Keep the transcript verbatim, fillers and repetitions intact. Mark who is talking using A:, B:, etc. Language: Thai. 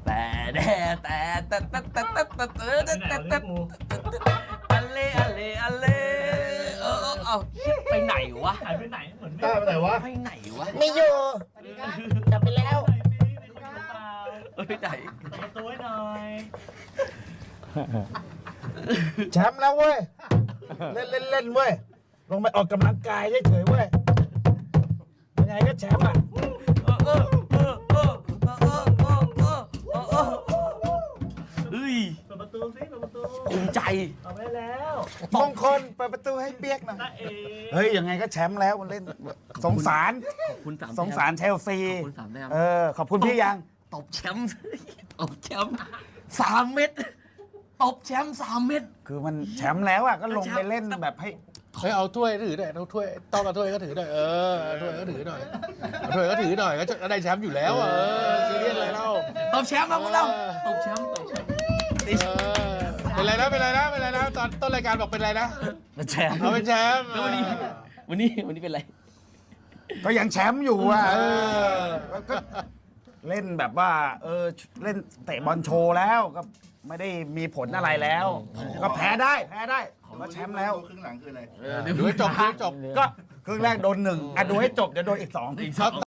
A: แต่แต่แต่แต่แต่แต่แต่แต่แต่แต่แต่อัลเล่อัลเล่อัลเล่เออเอาไปไหนวะ
B: หายไปไหนเหมือน
C: ได้ไปไหนวะ
A: ไปไหนวะ
D: ไม่อยู่กลับไปแล้ว
B: มีคนอยู่เปล่า
A: เออไปไหน
B: เปิดประตูให้หน่อย
D: แชมป์แล้วเว้ย เล่นเล่นเล่นเว้ย ลงไปออกกำลังกายเฉยๆเว้ย ยังไงก็แชมป์อ่ะ
A: เออเออเออเออเออเออเออเออเออเออเฮ้ย
B: เปิดประตูสิเปิดประตู
A: ภูมิใจ
B: เอาไปแล้ว
D: มงคลเปิดประตูให้เปียกหน่อย
B: ตาเอ๋
D: เฮ้ย ยังไงก็แชมป์แล้วมันเล่น สงสาร
A: ขอบคุณสาม
D: สงสารเชลซี
A: ขอบคุณสามแต้ม
D: เออ ขอบคุณพี่ยัง
A: ตบแชมป์ตบแชมป์สามเม็ดตบแชมป์สามเม็ด
D: คือมันแชมป์แล้วอ่ะ ก็ลงไปเล่นแบบให้
E: เฮ้ยเอาถ้วยถือหน่อยเอาถ้วยต้องเอาถ้วยก็ถือหน่อยเออเอาถ้วยก็ถือหน่อยเอาถ้วยก็ถือหน่อยก็จะได้แชมป์อยู่แล้วเออซีเรียสอะไรเล่า
A: ตบแชมป์ครับพวกเราตบแชมป์ตบแชมป์
E: เออเป็นไรนะเป็นไรนะเป็นไรนะตอนต้นรายการบอกเป็นไรนะ
A: เป็นแชมป์
E: เอาเป็นแชมป์
A: แล้ววันนี้วันนี้วันนี้เป็นไร
D: ก็ยังแชมป์อยู่อ่ะ เออก็เล่นแบบว่า เออ เล่นเตะบอลโชว์แล้วก็ไม่ได้มีผลอะไรแล้ว ก็แพ้ได้แพ้ได้ก็แชมป์แล้ว
C: ครึ่งหลังคืออะไร
E: ดูให้จบดูให้จบ
D: ก็ครึ่งแรกโดนหนึ่งอ่ะดูให้จบเดี๋ยวโดนอีกสอง
A: อีกสอง